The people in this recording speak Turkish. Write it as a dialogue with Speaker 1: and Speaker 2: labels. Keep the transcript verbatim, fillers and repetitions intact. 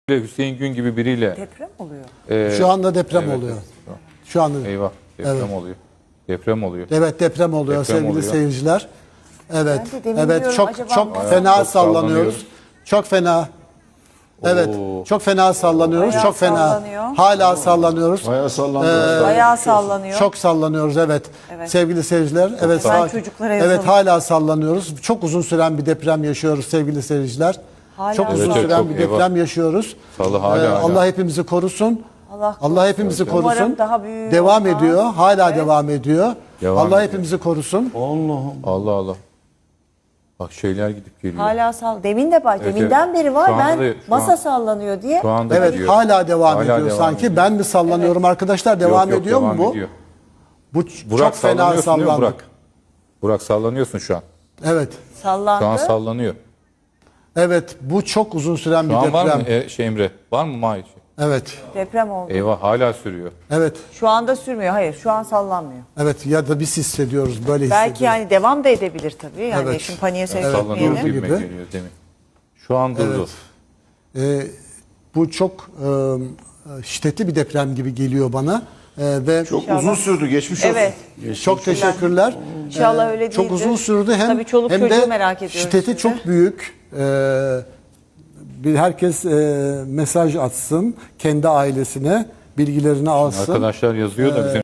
Speaker 1: Hüseyin Gün gibi biriyle.
Speaker 2: Deprem oluyor.
Speaker 1: e,
Speaker 3: Şu anda deprem
Speaker 1: evet,
Speaker 3: oluyor.
Speaker 1: evet.
Speaker 3: Şu anda.
Speaker 1: Eyvah deprem
Speaker 3: Evet.
Speaker 1: oluyor. Deprem oluyor.
Speaker 3: Evet deprem oluyor
Speaker 1: Deprem
Speaker 3: sevgili
Speaker 1: oluyor.
Speaker 3: seyirciler. Evet.
Speaker 2: Ben de demin
Speaker 3: Evet
Speaker 2: diyorum,
Speaker 3: çok
Speaker 2: acaba
Speaker 3: çok
Speaker 2: bayağı
Speaker 3: fena
Speaker 1: çok
Speaker 3: sallanıyoruz.
Speaker 1: sallanıyoruz.
Speaker 3: Çok fena. Evet.
Speaker 1: Oo.
Speaker 3: Çok fena sallanıyoruz.
Speaker 2: Bayağı
Speaker 3: çok fena.
Speaker 2: sallanıyor.
Speaker 3: Hala sallanıyoruz.
Speaker 4: Bayağı sallandı.
Speaker 2: Bayağı sallanıyor.
Speaker 3: Çok sallanıyoruz evet.
Speaker 2: Evet.
Speaker 3: Sevgili seyirciler. Evet.
Speaker 2: Hemen
Speaker 3: sakin-
Speaker 2: çocuklara
Speaker 3: Evet
Speaker 2: yazalım.
Speaker 3: hala sallanıyoruz. Çok uzun süren bir deprem yaşıyoruz sevgili seyirciler.
Speaker 2: Hala
Speaker 3: çok uzun
Speaker 1: Evet, evet,
Speaker 3: süren
Speaker 1: çok,
Speaker 3: bir
Speaker 1: eyvah.
Speaker 3: deprem yaşıyoruz.
Speaker 1: Salı hala,
Speaker 3: Ee,
Speaker 1: hala.
Speaker 3: Allah hepimizi korusun.
Speaker 2: Allah
Speaker 3: Allah hepimizi
Speaker 2: Umarım
Speaker 3: korusun.
Speaker 2: daha büyüğü
Speaker 3: Devam
Speaker 2: olmaz.
Speaker 3: ediyor. Hala
Speaker 2: Evet.
Speaker 3: devam ediyor.
Speaker 1: Devam
Speaker 3: Allah
Speaker 1: ediyor.
Speaker 3: hepimizi korusun.
Speaker 4: Allah'ım.
Speaker 1: Allah Allah. Bak şeyler gidip geliyor.
Speaker 2: Hala sall. Demin de bak.
Speaker 1: Evet,
Speaker 2: Deminden
Speaker 1: evet.
Speaker 2: beri var.
Speaker 1: Şu anda
Speaker 2: Ben
Speaker 1: da- şu
Speaker 2: masa
Speaker 1: an-
Speaker 2: sallanıyor diye.
Speaker 1: Şu anda
Speaker 3: Evet
Speaker 1: gidiyor.
Speaker 3: hala devam
Speaker 1: Hala
Speaker 3: ediyor
Speaker 1: devam
Speaker 3: sanki.
Speaker 1: ediyor.
Speaker 3: Ben mi sallanıyorum arkadaşlar?
Speaker 1: Yok,
Speaker 3: Devam
Speaker 1: yok,
Speaker 3: ediyor mu
Speaker 1: devam
Speaker 3: bu?
Speaker 1: ediyor.
Speaker 3: Bu ç-
Speaker 1: Burak
Speaker 3: çok fena
Speaker 1: sallanıyorsun değil mi
Speaker 3: sallandı.
Speaker 1: Burak? Burak sallanıyorsun şu an.
Speaker 3: Evet.
Speaker 2: Sallandı.
Speaker 1: Şu an sallanıyor.
Speaker 3: Evet bu çok uzun süren
Speaker 1: Şu
Speaker 3: bir
Speaker 1: an
Speaker 3: deprem.
Speaker 1: var mı e, şey Emre? Var mı Mahir?
Speaker 3: Evet.
Speaker 2: Deprem oldu.
Speaker 1: Eyvah hala sürüyor.
Speaker 3: Evet.
Speaker 2: Şu anda sürmüyor. Hayır, şu an sallanmıyor.
Speaker 3: Evet ya da biz hissediyoruz böyle
Speaker 2: Belki
Speaker 3: hissediyoruz.
Speaker 2: yani devam da edebilir tabii. Yani
Speaker 3: Evet.
Speaker 2: şimdi paniğe sevk
Speaker 1: Sallanıyor
Speaker 2: etmeyelim.
Speaker 3: durdu
Speaker 1: gibime
Speaker 3: gibi.
Speaker 1: geliyor demin. Şu an durdu.
Speaker 3: Ee, bu çok e, şiddetli bir deprem gibi geliyor bana. Ee, ve
Speaker 4: Çok
Speaker 2: İnşallah.
Speaker 4: uzun sürdü. Geçmiş olsun.
Speaker 2: Evet.
Speaker 3: çok teşekkürler.
Speaker 2: İnşallah
Speaker 3: Ee,
Speaker 2: öyle değildir.
Speaker 3: Çok uzun sürdü hem
Speaker 2: Tabii çoluk
Speaker 3: hem
Speaker 2: çocuğu
Speaker 3: de
Speaker 2: merak ediyoruz
Speaker 3: şiddeti
Speaker 2: şimdi.
Speaker 3: çok büyük. Ee, bir herkes e, mesaj atsın kendi ailesine, bilgilerini alsın.
Speaker 1: Arkadaşlar yazıyor da bizim